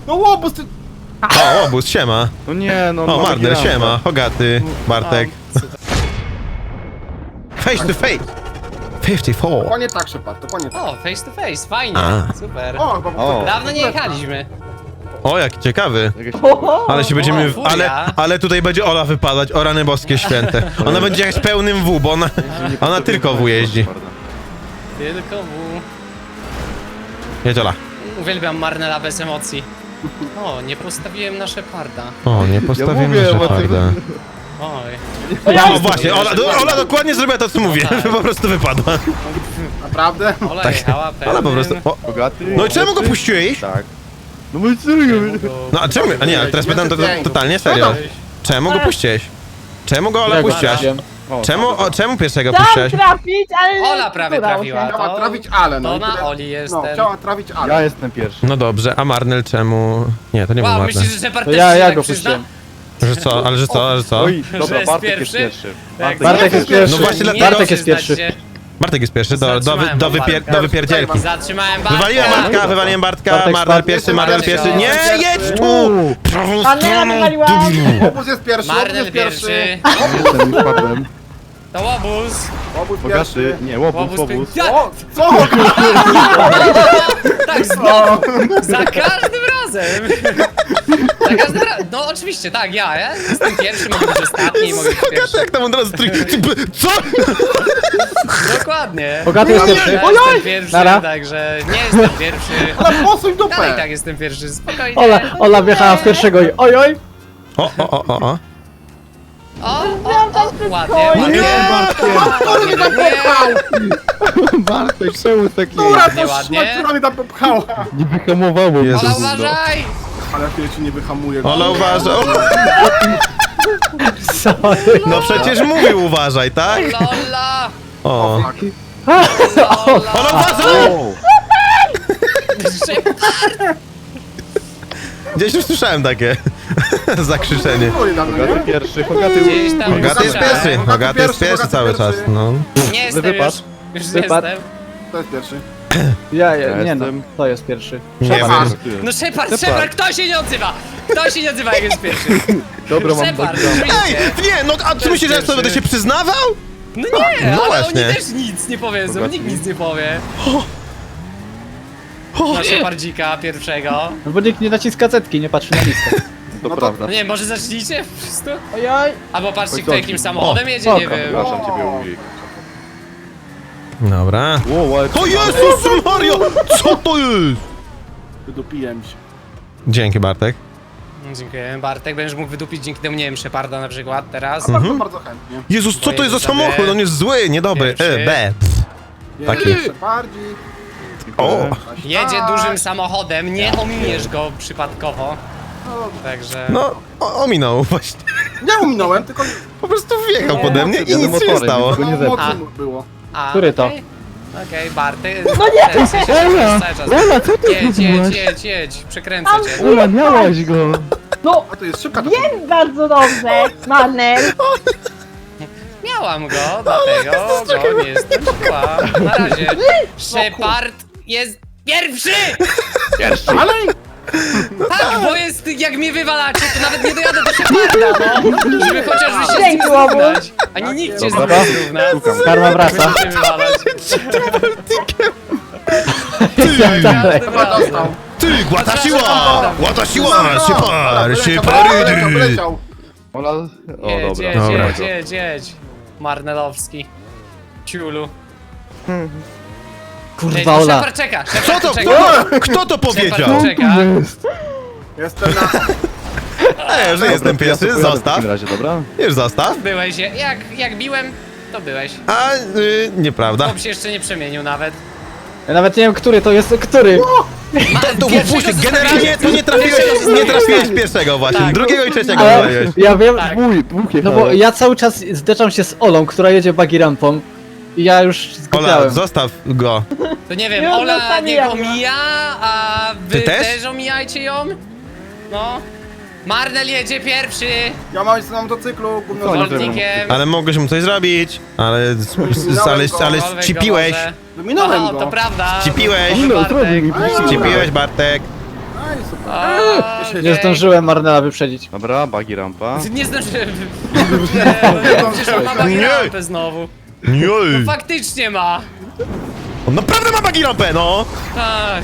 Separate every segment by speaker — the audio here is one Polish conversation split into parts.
Speaker 1: No łobuz, ty...
Speaker 2: O, obóz, siema.
Speaker 3: No nie, no.
Speaker 2: O, Marner,
Speaker 3: gramy.
Speaker 2: siema. Hogaty, Bartek. Face to face. 54.
Speaker 1: Dokładnie tak, Shepard, dokładnie tak.
Speaker 4: O, face to face, fajnie,
Speaker 2: A.
Speaker 4: super.
Speaker 1: O, chyba
Speaker 3: O.
Speaker 4: Dawno nie jechaliśmy.
Speaker 2: O, jaki ciekawy.
Speaker 3: Jakieś...
Speaker 2: Ale się będziemy...
Speaker 4: furia.
Speaker 2: Ale tutaj będzie Ola wypadać, o rany boskie święte. Ona będzie jechać pełnym W, bo ona tylko W jeździ.
Speaker 4: Tylko W.
Speaker 2: Jedź Ola.
Speaker 4: Uwielbiam Marnela bez emocji. O, nie postawiłem na Sheparda.
Speaker 2: O, nie postawiłem
Speaker 3: mówię,
Speaker 2: na
Speaker 3: bo ty-
Speaker 2: Sheparda.
Speaker 4: Oj.
Speaker 2: No właśnie, Ola dokładnie zrobiła to, co mówię.
Speaker 4: tak.
Speaker 2: Po prostu wypadła.
Speaker 1: Naprawdę?
Speaker 4: Ola jechała pełnym.
Speaker 2: Ola po prostu... O.
Speaker 3: Bogaty?
Speaker 2: No i czemu go puściłeś?
Speaker 3: Tak. No bo serio.
Speaker 2: No a czemu? A nie, ale teraz pytam to totalnie serio. Czemu go puściłeś? Czemu go Ola puściłaś? Czemu pierwszego
Speaker 5: Chciałam
Speaker 2: puściłaś?
Speaker 5: trafić, ale nie
Speaker 4: Ola prawie
Speaker 5: udało
Speaker 4: trafiła.
Speaker 5: się.
Speaker 1: Chciała trafić Ale, no
Speaker 4: To
Speaker 1: i
Speaker 4: na
Speaker 1: tyle.
Speaker 4: Oli jest
Speaker 1: No,
Speaker 4: ten.
Speaker 1: chciała trafić Ale.
Speaker 3: Ja jestem pierwszy.
Speaker 2: No dobrze, a Marnel czemu... Nie, to nie był
Speaker 4: Wow,
Speaker 2: Marnel.
Speaker 4: myślisz, że Shepard
Speaker 5: To
Speaker 4: też
Speaker 5: ja
Speaker 4: się tak
Speaker 5: go
Speaker 4: przyzna?
Speaker 5: puściłem.
Speaker 2: Że co? Ale że co? Ale że co?
Speaker 3: Oj,
Speaker 4: Że
Speaker 3: dobra,
Speaker 4: jest
Speaker 3: Bartek jest
Speaker 4: pierwszy?
Speaker 3: pierwszy.
Speaker 4: Jak
Speaker 5: Bartek jest pierwszy.
Speaker 2: No właśnie dlatego-
Speaker 5: Bartek jest pierwszy.
Speaker 2: Bartek jest pierwszy,
Speaker 4: Zatrzymałem Bartka.
Speaker 2: do wypierdzielki.
Speaker 4: Zatrzymałem Bartka.
Speaker 2: Wywaliłem Bartka, wywaliłem Bartka,
Speaker 5: Bartek
Speaker 2: Marnel
Speaker 5: spadł.
Speaker 2: pierwszy, Marnel pierwszy. Nie, jedź tu! Prawą
Speaker 5: Marnela
Speaker 2: stroną,
Speaker 5: wywaliłam.
Speaker 2: debilu.
Speaker 1: Łobuz jest pierwszy, łobuz
Speaker 4: Marnel
Speaker 1: jest pierwszy.
Speaker 4: pierwszy.
Speaker 3: Jestem, już padłem.
Speaker 4: To łobuz.
Speaker 1: Łobuz
Speaker 3: Bogaty,
Speaker 1: pierwszy.
Speaker 3: nie, łobuz,
Speaker 4: Łobuz
Speaker 3: łobuz.
Speaker 4: Ja,
Speaker 1: O, co?
Speaker 4: tak znowu. Za każdym razem. Za każdym razem. No oczywiście, tak, ja jestem pierwszy, mogę być ostatni, mogę być
Speaker 2: Hogaty,
Speaker 4: pierwszy.
Speaker 2: jak tam od razu co?
Speaker 4: Dokładnie.
Speaker 5: Bogaty jest pierwszy.
Speaker 4: Ja jestem pierwszy,
Speaker 5: Nara.
Speaker 4: także nie jestem pierwszy.
Speaker 1: Ale posuń
Speaker 4: Dalej
Speaker 1: dupę.
Speaker 4: tak jestem pierwszy, spokojnie.
Speaker 5: Ola wjechała w pierwszego i oj.
Speaker 2: O,
Speaker 4: Ładnie,
Speaker 5: No
Speaker 4: ładnie.
Speaker 1: Który mnie tam popchał?
Speaker 3: Bartek, czemu taki?
Speaker 1: Która
Speaker 4: Ładnie,
Speaker 1: to
Speaker 4: ładnie.
Speaker 1: szmat, która mnie tam popchała?
Speaker 3: Nie wyhamowało.
Speaker 2: Jezus.
Speaker 4: Ola, uważaj!
Speaker 1: Ale ja ci nie wyhamuję.
Speaker 2: Ola uważa. O,
Speaker 5: Sorry.
Speaker 2: no przecież mówił uważaj, tak?
Speaker 4: Lola!
Speaker 2: O.
Speaker 1: Tak.
Speaker 4: Lola!
Speaker 2: Ola uważaj! Gdzieś już słyszałem takie zakrzyczenie.
Speaker 1: Oj, tam,
Speaker 3: Bogaty
Speaker 1: nie?
Speaker 3: pierwszy, Bogaty
Speaker 4: Gdzieś tam
Speaker 2: Hogaty jest
Speaker 4: słyszałem.
Speaker 2: pierwszy, Hogaty jest pierwszy cały czas, no.
Speaker 4: Nie jestem
Speaker 3: Wypadł.
Speaker 4: już
Speaker 5: Wypadł.
Speaker 4: jestem.
Speaker 1: To jest pierwszy.
Speaker 5: Ja
Speaker 3: nie no,
Speaker 5: to jest pierwszy.
Speaker 2: Nie wiem.
Speaker 4: No Shepard, kto się nie odzywa? Kto się nie odzywa, jak jest pierwszy?
Speaker 3: Dobra, mam
Speaker 4: Shepard,
Speaker 3: background.
Speaker 4: oczywiście.
Speaker 2: Ej, nie, no a ty myślisz, że ja sobie będę się przyznawał?
Speaker 4: No nie,
Speaker 2: No
Speaker 4: ale
Speaker 2: właśnie.
Speaker 4: oni też nic nie powiedzą,
Speaker 3: Bogaty.
Speaker 4: nikt nic nie powie. Na Shepardzika pierwszego.
Speaker 5: No bo nikt nie naciska cetki, nie patrzy na listę.
Speaker 3: To
Speaker 1: No to-
Speaker 3: prawda.
Speaker 4: No nie, może zacznijcie wszyscy?
Speaker 5: Ojoj.
Speaker 4: Albo patrzcie,
Speaker 3: Oj,
Speaker 4: kto
Speaker 3: co?
Speaker 4: jakim samochodem jedzie, nie
Speaker 5: spoko.
Speaker 4: wiem.
Speaker 3: Przepraszam ciebie, Ujik.
Speaker 2: Dobra.
Speaker 3: Wow, ale...
Speaker 2: O Jezus Mario! Co to jest?
Speaker 1: Wydupiłem się.
Speaker 2: Dzięki Bartek.
Speaker 4: Dziękuję, Bartek, będziesz mógł wydupić dzięki temu, nie wiem, Sheparda na przykład teraz.
Speaker 1: Bardzo, bardzo chętnie.
Speaker 2: Jezus, co to jest za
Speaker 4: Sobie.
Speaker 2: samochód? On jest zły, niedobry.
Speaker 4: Pierwszy.
Speaker 2: B. Taki.
Speaker 1: Jeszcze bardziej.
Speaker 2: O!
Speaker 4: Jedzie dużym samochodem, nie ominiesz go przypadkowo. Także...
Speaker 2: No, ominął właśnie.
Speaker 1: Nie ominąłem, tylko
Speaker 2: Po prostu wjechał pode mnie i
Speaker 3: Jadę
Speaker 2: nic się nie
Speaker 3: motorem,
Speaker 2: stało.
Speaker 3: tylko nie zepsuł.
Speaker 1: mocno było.
Speaker 4: A,
Speaker 5: Który to?
Speaker 4: Okej, Bartek. No nie!
Speaker 3: Ola, co ty
Speaker 4: Jedź, przekręcę cię.
Speaker 3: Ola, miałaś go.
Speaker 5: No,
Speaker 1: A to jest szybka ta
Speaker 5: wiem bardzo dobrze, Marnel.
Speaker 4: Miałam go, dlatego go nie skończyłam. Na razie. Shepard jest pierwszy!
Speaker 1: Dalej?
Speaker 4: Tak, bo jest, jak mnie wywalacie, to nawet nie dojadę do Sheparda, no. Żeby chociaż wy się z nim
Speaker 5: Dzięki, Łobuz.
Speaker 4: zrównać. Ani nikt cię z nim
Speaker 3: Dobra.
Speaker 4: nie zrówna.
Speaker 5: Karma wraca.
Speaker 4: Będziecie wywalać.
Speaker 5: Dalej.
Speaker 4: Każdym razem.
Speaker 2: Ty, łata siła! Łata siła! Sypar,
Speaker 1: Poleciał,
Speaker 2: syparydy!
Speaker 1: poleciał.
Speaker 3: Ola... O,
Speaker 4: Jedź,
Speaker 3: dobra.
Speaker 4: jedź,
Speaker 2: Dobra.
Speaker 4: jedź. Marnelowski. Ciulu.
Speaker 5: Kurwa, Ola.
Speaker 4: Shepard czeka,
Speaker 2: Co
Speaker 4: Shepard
Speaker 2: to?
Speaker 4: czeka.
Speaker 2: Kto to powiedział?
Speaker 4: Shepard czeka.
Speaker 1: Jestem na...
Speaker 2: Ej, że jestem pierwszy,
Speaker 3: W
Speaker 2: zostaw.
Speaker 3: takim razie, dobra?
Speaker 2: Już zostaw.
Speaker 4: Byłeś, jak biłem, to byłeś.
Speaker 2: A, nieprawda.
Speaker 4: Chłop się jeszcze nie przemienił nawet.
Speaker 5: Ja nawet nie wiem, który to jest, który.
Speaker 2: To puść, generalnie to nie trafiłeś pierwszego właśnie,
Speaker 4: Tak.
Speaker 2: drugiego i trzeciego
Speaker 5: Ale
Speaker 2: wywaliłeś.
Speaker 5: ja wiem,
Speaker 4: Tak.
Speaker 3: Dwóch
Speaker 5: no bo ja cały czas zdeczam się z Olą, która jedzie buggy rampą. I ja już
Speaker 2: Ola,
Speaker 5: skupiałem.
Speaker 2: zostaw go.
Speaker 4: To nie wiem,
Speaker 5: Nie
Speaker 4: Ola
Speaker 5: zostawiłam
Speaker 4: niech
Speaker 5: go.
Speaker 4: omija, a wy
Speaker 2: Ty też?
Speaker 4: też omijajcie ją. No. Marnel jedzie pierwszy.
Speaker 1: Ja mam na motocyklu, gówno
Speaker 3: Co, nie
Speaker 4: Wolnikiem.
Speaker 2: Ale mogłeś mu coś zrobić, ale
Speaker 4: Cokolwiek
Speaker 2: ścipiłeś.
Speaker 4: go może.
Speaker 1: Wyminąłem
Speaker 4: No,
Speaker 1: go.
Speaker 4: to prawda.
Speaker 2: Ścipiłeś.
Speaker 3: No,
Speaker 4: Bartek.
Speaker 3: zrobił mi.
Speaker 2: Ścipiłeś, Bartek.
Speaker 1: super.
Speaker 4: O,
Speaker 5: Nie zdążyłem Marnela wyprzedzić.
Speaker 3: Dobra, bagi rampa.
Speaker 4: Nie zdążyłem. Przecież on ma bagi rampę znowu.
Speaker 2: Nie.
Speaker 4: No faktycznie ma.
Speaker 2: On naprawdę ma bagi rampę, no!
Speaker 4: Tak.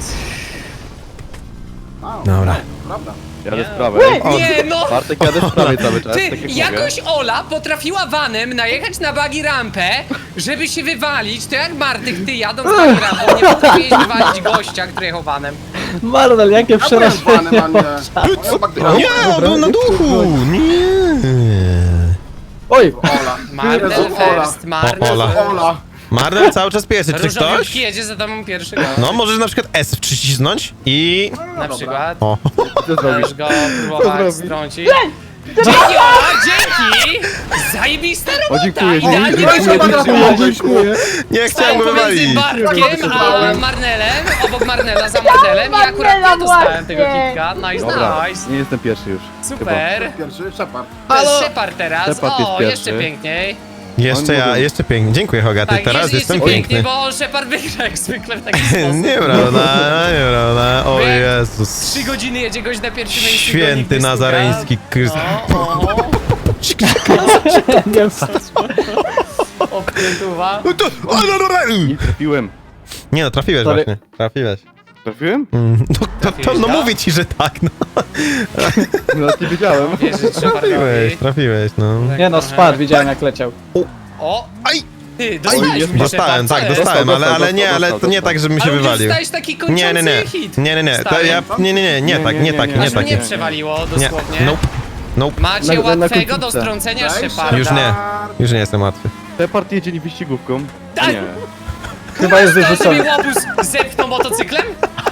Speaker 2: Dobra.
Speaker 1: Prawda.
Speaker 3: Jadę z prawej.
Speaker 4: Nie no!
Speaker 3: Bartek, jadę z prawej cały czas,
Speaker 4: Ty,
Speaker 3: tak jak
Speaker 4: jakoś Ola potrafiła vanem najechać na bagi rampę, żeby się wywalić, to jak Bartek, ty jadąc bagi rampą, nie potrafiłeś wywalić gościa, który jechał vanem.
Speaker 5: Marnel, jakie
Speaker 1: Ja byłem fanem,
Speaker 5: przerażenie.
Speaker 1: a nie. Moja bagdra.
Speaker 2: Nie, on był na duchu! Nie!
Speaker 5: Oj,
Speaker 1: Ola.
Speaker 4: Marnel
Speaker 1: Jezu, Ola.
Speaker 4: first, Marnel
Speaker 2: Ola.
Speaker 4: first.
Speaker 1: Ola.
Speaker 2: Marnel cały czas pierwszy, czy ktoś?
Speaker 4: Różowiutki jedzie za tobą pierwszy go.
Speaker 2: No, możesz na przykład S przycisnąć i...
Speaker 4: Na przykład.
Speaker 2: O.
Speaker 3: Co zrobisz?
Speaker 4: Możesz go próbować
Speaker 3: zrobi?
Speaker 4: strącić. Dzięki Ola, dzięki! Zajebista
Speaker 3: O,
Speaker 4: robota!
Speaker 3: dziękuję,
Speaker 4: Idealnie
Speaker 3: dziękuję,
Speaker 4: wyszło.
Speaker 3: dziękuję.
Speaker 2: Nie chciałem
Speaker 4: Stałem
Speaker 2: go
Speaker 4: pomiędzy
Speaker 2: wywalić.
Speaker 4: Bartkiem a Marnelem, obok Marnela za Marnelem i akurat ja dostałem tego kitka. Nice,
Speaker 3: Dobra,
Speaker 4: nice.
Speaker 3: nie jestem pierwszy już.
Speaker 4: Super.
Speaker 1: Pierwszy, Shepard.
Speaker 4: To jest Shepard teraz.
Speaker 3: Shepard jest
Speaker 4: O,
Speaker 3: pierwszy.
Speaker 4: jeszcze piękniej.
Speaker 2: Jeszcze ja, jeszcze pięknie. Dziękuję, Hogaty,
Speaker 4: Tak,
Speaker 2: teraz
Speaker 4: jest
Speaker 2: jestem
Speaker 4: jeszcze piękniej,
Speaker 2: piękny.
Speaker 4: bo Shepard wygra jak zwykle w taki sposób.
Speaker 2: Nieprawda, nieprawda. O
Speaker 4: Bo jak
Speaker 2: Jezus.
Speaker 4: 3 godziny jedzie gość na pierwszym miejscu.
Speaker 2: Święty nazareński Krys...
Speaker 5: nie
Speaker 4: Oprytuwa.
Speaker 3: Nie trafiłem.
Speaker 2: Nie no, trafiłeś
Speaker 5: Sorry.
Speaker 2: właśnie. Trafiłeś.
Speaker 3: Trafiłem?
Speaker 2: No mówię ci, że tak, no.
Speaker 3: No, nie wiedziałem.
Speaker 4: Wierzyć
Speaker 2: Trafiłeś,
Speaker 4: Shepardowi.
Speaker 2: trafiłeś, no.
Speaker 5: Nie no, spadł, widziałem jak leciał.
Speaker 4: O!
Speaker 2: Aj!
Speaker 4: Ty, dostałeś
Speaker 3: jest-
Speaker 4: mi
Speaker 2: Dostałem,
Speaker 4: Shepard,
Speaker 2: tak,
Speaker 4: co jest?
Speaker 2: dostałem,
Speaker 3: Dostał,
Speaker 2: ale nie, ale to nie tak, żebym się
Speaker 4: Ale u mnie
Speaker 2: wywalił.
Speaker 4: dostałeś taki kończący
Speaker 2: Nie, nie, nie.
Speaker 4: hit.
Speaker 2: Nie, nie, to
Speaker 4: Stary.
Speaker 2: ja... Nie tak, nie tak, nie
Speaker 4: Aż
Speaker 2: tak.
Speaker 4: mnie przewaliło
Speaker 2: Nie,
Speaker 4: dosłownie.
Speaker 2: nope, nope.
Speaker 4: Macie
Speaker 3: Na
Speaker 4: łatwego do
Speaker 3: końcówce.
Speaker 4: strącenia
Speaker 1: Daj
Speaker 4: Sheparda.
Speaker 2: Już nie, już nie jestem łatwy.
Speaker 3: Shepard jedzie wyścigówką.
Speaker 4: Daj.
Speaker 3: Nie.
Speaker 5: Chyba jest
Speaker 4: Kto sobie
Speaker 5: wyrzucony.
Speaker 4: łobuz zepchnął motocyklem?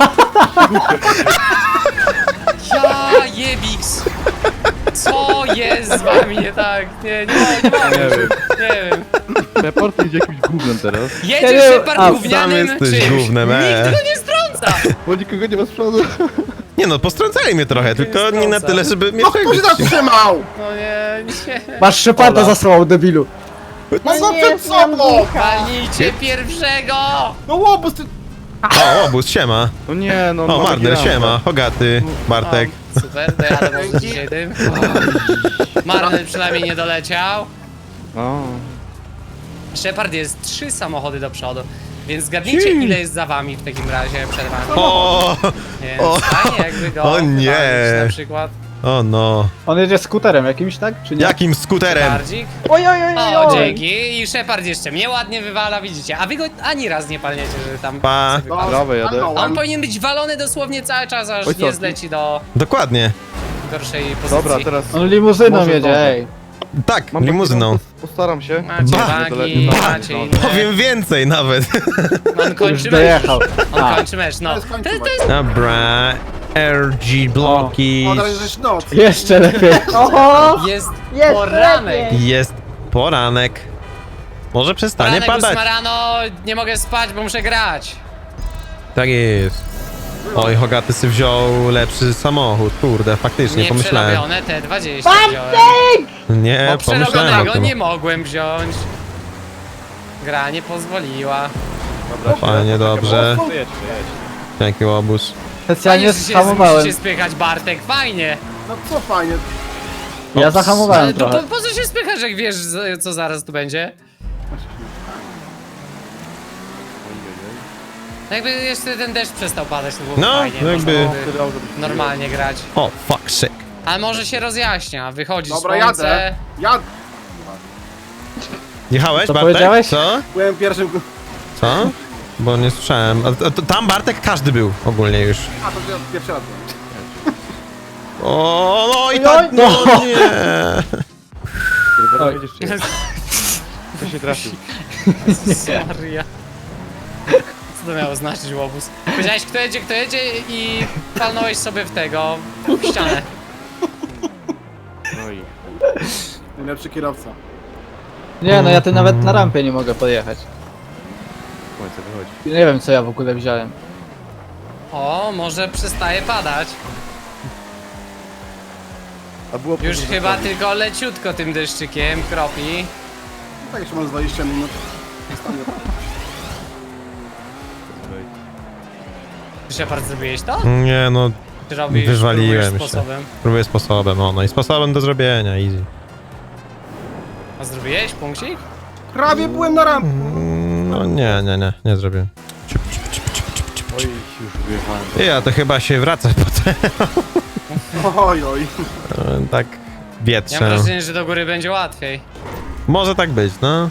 Speaker 4: Ja jebiks. Co jest z wami nie tak? Nie
Speaker 3: Nie wiem.
Speaker 4: wiem.
Speaker 3: Shepard jedzie jakimś gównem teraz.
Speaker 4: Jedziesz
Speaker 5: Nie,
Speaker 4: Shepard
Speaker 5: a,
Speaker 4: gównianym
Speaker 2: sam jesteś
Speaker 4: czymś.
Speaker 2: gównem,
Speaker 4: Nikt go nie strąca.
Speaker 3: Bo nikogo nie ma z przodu.
Speaker 2: Nie no, postrącali mnie trochę, tylko nie na tyle, żeby mnie
Speaker 1: No kto się zatrzymał?
Speaker 4: No nie.
Speaker 5: Masz Sheparda zasłał, debilu.
Speaker 1: Mam go przed sobą!
Speaker 4: Walnijcie pierwszego.
Speaker 1: No łobuz, ty...
Speaker 2: O, obóz, siema.
Speaker 3: No nie, no.
Speaker 2: O,
Speaker 3: mamy
Speaker 2: Marner,
Speaker 3: rampę.
Speaker 2: siema. Hogaty, Bartek.
Speaker 4: O, super, dojadę może dzisiaj tym. Marnel przynajmniej nie doleciał.
Speaker 3: O.
Speaker 4: Shepard jest 3 samochody do przodu. Więc zgadnijcie ile jest za wami w takim razie przed wami.
Speaker 2: O,
Speaker 4: Więc
Speaker 2: o.
Speaker 4: fajnie jakby go
Speaker 2: O nie.
Speaker 4: wywalić na przykład.
Speaker 2: o no.
Speaker 5: On jedzie skuterem jakimś, tak? Czy nie?
Speaker 2: Jakim skuterem?
Speaker 4: Bardzik.
Speaker 6: Oj, oj, oj, oj,
Speaker 4: O,
Speaker 6: oj.
Speaker 4: dzięki. I Shepard jeszcze mnie ładnie wywala, widzicie. A wy go ani raz nie palniecie, że tam
Speaker 2: Pa.
Speaker 4: sobie wypadł.
Speaker 3: Prawo jadę.
Speaker 4: A on powinien być walony dosłownie cały czas, aż
Speaker 3: Oj,
Speaker 4: nie
Speaker 3: co?
Speaker 4: zleci do
Speaker 2: Dokładnie.
Speaker 4: gorszej pozycji.
Speaker 3: Dobra, teraz
Speaker 5: On limuzyną
Speaker 3: Może
Speaker 5: jedzie,
Speaker 3: zdążę.
Speaker 5: ej.
Speaker 2: Tak,
Speaker 3: mam
Speaker 2: limuzyną.
Speaker 3: Postaram się.
Speaker 4: Macie
Speaker 2: Ba.
Speaker 4: wagi,
Speaker 3: Ba.
Speaker 4: macie inne.
Speaker 2: Powiem więcej nawet.
Speaker 4: On
Speaker 5: Już
Speaker 4: kończy mecz.
Speaker 5: dojechał.
Speaker 4: On
Speaker 5: A.
Speaker 4: kończy mecz, no.
Speaker 1: jest kończy
Speaker 4: To
Speaker 1: mecz.
Speaker 4: jest
Speaker 2: Dobra. RG bloki.
Speaker 1: O, teraz jest noc.
Speaker 5: Jeszcze lepiej.
Speaker 6: Oho!
Speaker 4: Jest
Speaker 6: Jest
Speaker 4: poranek.
Speaker 6: lepiej.
Speaker 2: Jest poranek. Może przestanie
Speaker 4: Poranek
Speaker 2: padać.
Speaker 4: 8 rano, nie mogę spać, bo muszę grać.
Speaker 2: Tak jest. Oj, Hogaty sobie wziął lepszy samochód. Kurde, faktycznie,
Speaker 4: Nie
Speaker 2: pomyślałem.
Speaker 4: przerobione T20 wziąłem.
Speaker 6: Bartek!
Speaker 2: Nie,
Speaker 4: Bo
Speaker 2: pomyślałem o
Speaker 4: przerobionego
Speaker 2: tym.
Speaker 4: nie mogłem wziąć. Gra nie pozwoliła.
Speaker 2: Fajnie, dobrze. Jaki łobuz.
Speaker 5: Specjalnie
Speaker 4: Fajnie, że się
Speaker 5: zahamowałem.
Speaker 4: musicie spychać, Bartek, fajnie.
Speaker 1: No co fajnie.
Speaker 5: Ja
Speaker 4: Ale
Speaker 5: zahamowałem
Speaker 4: to
Speaker 5: trochę.
Speaker 4: po co się spychasz, jak wiesz, co zaraz tu będzie? Jakby jeszcze ten deszcz przestał padać, to byłoby
Speaker 2: No,
Speaker 4: fajnie.
Speaker 2: jakby-
Speaker 4: Można byłoby normalnie grać.
Speaker 2: O, fuck, shit.
Speaker 4: Ale może się rozjaśnia, wychodzi
Speaker 1: Dobra,
Speaker 4: słońce.
Speaker 1: jadę. Jadę.
Speaker 2: Jechałeś,
Speaker 5: Co
Speaker 2: Bartek?
Speaker 5: powiedziałeś?
Speaker 2: Co?
Speaker 1: Byłem pierwszym...
Speaker 2: Co? Bo nie słyszałem. Tam Bartek każdy był ogólnie już.
Speaker 1: A, to ja pierwszy raz byłem.
Speaker 2: O, no i tak, no nie.
Speaker 3: Kurwa,
Speaker 5: Oj.
Speaker 3: jedziesz czy nie? To się trafił.
Speaker 4: Seria. Co to miało znaczyć, łobuz? Powiedziałeś kto jedzie i palnąłeś sobie w tego, w ścianę.
Speaker 3: No i...
Speaker 1: Najlepszy kierowca.
Speaker 5: Nie no, ja tu nawet na rampie nie mogę podjechać.
Speaker 3: Słońce wychodzi.
Speaker 5: Nie wiem co ja w ogóle wziąłem.
Speaker 4: O, może przestaje padać.
Speaker 3: A było
Speaker 4: Już
Speaker 3: później
Speaker 4: chyba
Speaker 3: zostawić.
Speaker 4: tylko leciutko tym deszczykiem kropi.
Speaker 1: Tak jeszcze mam z 20 minut.
Speaker 4: Shepard, zrobiłeś to?
Speaker 2: Nie, no.
Speaker 4: Ty robisz,
Speaker 2: Wywaliłem
Speaker 4: próbujesz
Speaker 2: się.
Speaker 4: sposobem.
Speaker 2: Próbuję sposobem, no i sposobem do zrobienia, easy.
Speaker 4: A zrobiłeś punkcik?
Speaker 1: Prawie byłem na rampie.
Speaker 2: No nie zrobiłem.
Speaker 3: Oj, już wyjechałem.
Speaker 2: Ja to chyba się wraca potem,
Speaker 1: Oj, oj.
Speaker 2: tak
Speaker 4: Ja mam
Speaker 2: wietrzę.
Speaker 4: wrażenie, że do góry będzie łatwiej.
Speaker 2: Może tak być, no.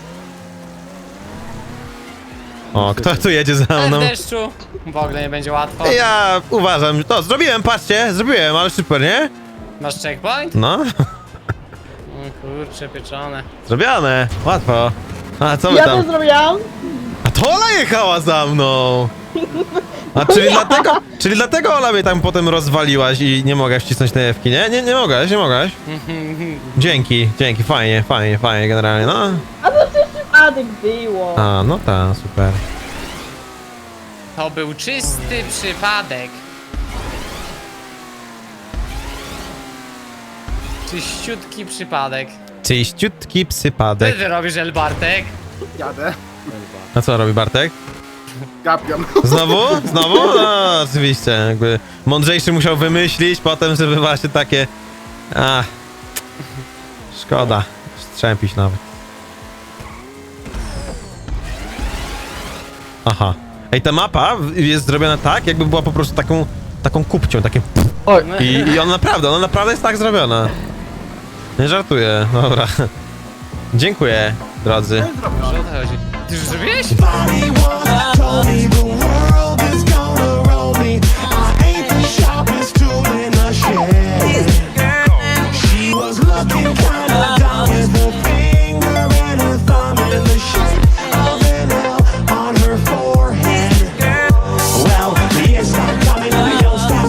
Speaker 2: O, kto tu jedzie za
Speaker 4: Ale
Speaker 2: mną?
Speaker 4: w deszczu w ogóle nie będzie łatwo.
Speaker 2: Ja uważam, to zrobiłem, patrzcie, zrobiłem, ale super, nie?
Speaker 4: Masz checkpoint?
Speaker 2: No,
Speaker 4: O kurcze, pieczone.
Speaker 2: zrobione, łatwo. A co wy
Speaker 6: Ja to
Speaker 2: tam?
Speaker 6: zrobiłam.
Speaker 2: A to Ola jechała za mną! A czyli dlatego Ola mnie tam potem rozwaliłaś i nie mogłaś wcisnąć tej F-ki, nie? Nie mogłaś. Dzięki, fajnie generalnie, no.
Speaker 6: A to przecież przypadek było.
Speaker 2: A, no ta, super.
Speaker 4: To był czysty przypadek. Czyściutki przypadek.
Speaker 2: Czyściutki
Speaker 4: Co
Speaker 2: psypadek.
Speaker 4: ty robisz, El Bartek?
Speaker 1: Jadę.
Speaker 2: A co robi Bartek?
Speaker 1: Gapiam.
Speaker 2: Znowu? Znowu? No, oczywiście, jakby mądrzejszy musiał wymyślić potem, żeby właśnie takie... A, szkoda, strzępić nawet. Aha. Ej, ta mapa jest zrobiona tak, jakby była po prostu taką kupcią, takie...
Speaker 5: Oj,
Speaker 2: I ona naprawdę jest tak zrobiona. Nie żartuję, dobra. Dziękuję, drodzy.
Speaker 4: Że o to chodzi. Ty już zrobiłeś?
Speaker 7: Told me the world